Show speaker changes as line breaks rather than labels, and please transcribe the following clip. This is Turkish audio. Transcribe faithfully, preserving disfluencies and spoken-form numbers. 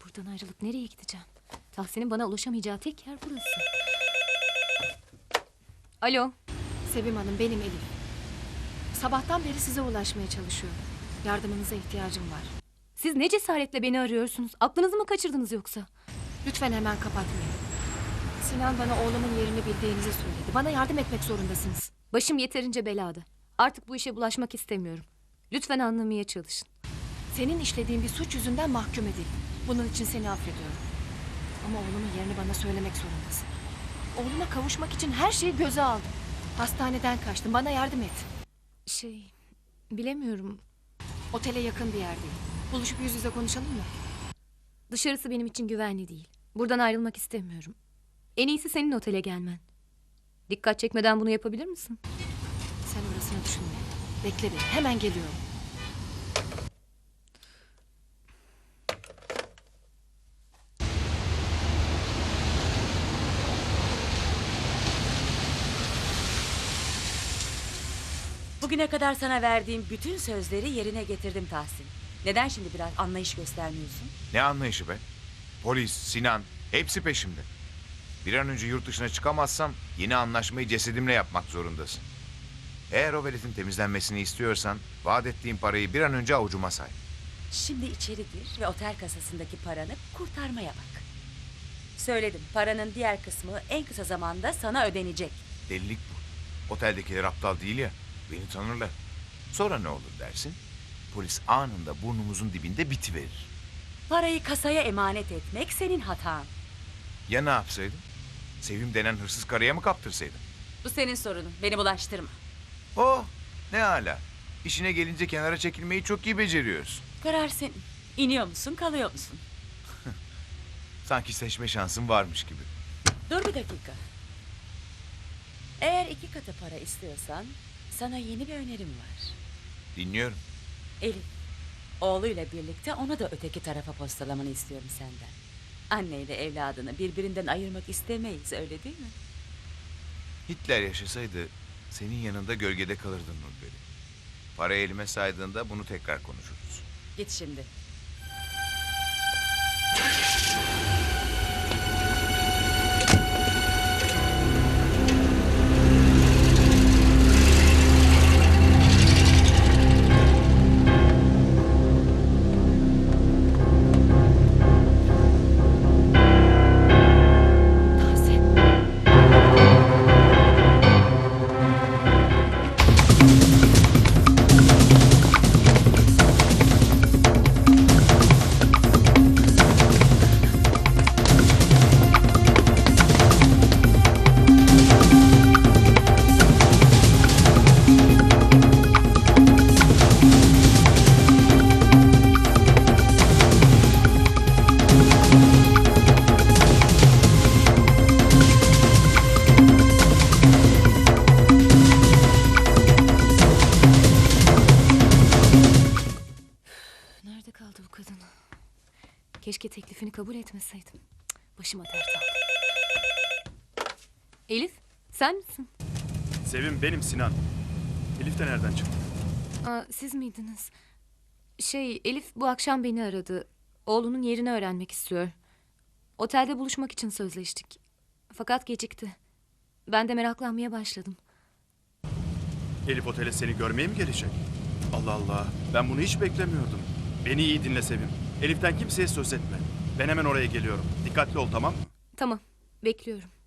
Buradan ayrılıp nereye gideceğim? Tahsin'in bana ulaşamayacağı tek yer burası. Alo.
Sevim Hanım, benim Elif. Sabahtan beri size ulaşmaya çalışıyorum. Yardımınıza ihtiyacım var.
Siz ne cesaretle beni arıyorsunuz? Aklınızı mı kaçırdınız yoksa?
Lütfen hemen kapatmayın. Sinan bana oğlumun yerini bildiğinizi söyledi. Bana yardım etmek zorundasınız.
Başım yeterince belada. Artık bu işe bulaşmak istemiyorum. Lütfen anlamaya çalışın.
Senin işlediğin bir suç yüzünden mahkum edildim. Bunun için seni affediyorum. Ama oğlumun yerini bana söylemek zorundasın. Oğluma kavuşmak için her şeyi göze aldım. Hastaneden kaçtım. Bana yardım et.
Şey, bilemiyorum.
Otele yakın bir yerdeyim. Buluşup yüz yüze konuşalım mı?
Dışarısı benim için güvenli değil. Buradan ayrılmak istemiyorum. En iyisi senin otele gelmen. Dikkat çekmeden bunu yapabilir misin?
Sen orasını düşünme. Bekle beni. Hemen geliyorum.
Bugüne kadar sana verdiğim bütün sözleri yerine getirdim Tahsin. Neden şimdi biraz anlayış göstermiyorsun?
Ne anlayışı be? Polis, Sinan hepsi peşimde. Bir an önce yurt dışına çıkamazsam yeni anlaşmayı cesedimle yapmak zorundasın. Eğer o veletin temizlenmesini istiyorsan vaat ettiğim parayı bir an önce avucuma say.
Şimdi içeri gir ve otel kasasındaki paranı kurtarmaya bak. Söyledim, paranın diğer kısmı en kısa zamanda sana ödenecek.
Delilik bu. Oteldekiler aptal değil ya. Beni tanırlar. Sonra ne olur dersin? Polis anında burnumuzun dibinde bitiverir.
Parayı kasaya emanet etmek senin hatan.
Ya ne yapsaydım? Sevim denen hırsız karıya mı kaptırsaydım?
Bu senin sorunun, beni bulaştırma.
Oh, ne hala. İşine gelince kenara çekilmeyi çok iyi beceriyorsun.
Karar senin. İniyor musun, kalıyor musun?
Sanki seçme şansın varmış gibi.
Dur bir dakika. Eğer iki katı para istiyorsan sana yeni bir önerim var.
Dinliyorum.
Elif, oğluyla birlikte onu da öteki tarafa postalamanı istiyorum senden. Anneyle evladını birbirinden ayırmak istemeyiz, öyle değil mi?
Hitler yaşasaydı senin yanında gölgede kalırdın Nurperi. Parayı elime saydığında bunu tekrar konuşuruz.
Git şimdi.
Tahsin.
Nerede kaldı bu kadın? Keşke teklifini kabul etmeseydim. Cık, başıma dert aldı. Elif, sen misin?
Sevim benim Sinan. Elif de nereden çıktı?
Aa, siz miydiniz? Şey, Elif bu akşam beni aradı. Oğlunun yerini öğrenmek istiyor. Otelde buluşmak için sözleştik. Fakat gecikti. Ben de meraklanmaya başladım.
Elif otele seni görmeye mi gelecek? Allah Allah, ben bunu hiç beklemiyordum. Beni iyi dinle Sevim. Elif'ten kimseye söz etme. Ben hemen oraya geliyorum. Dikkatli ol, tamam mı?
Tamam, bekliyorum.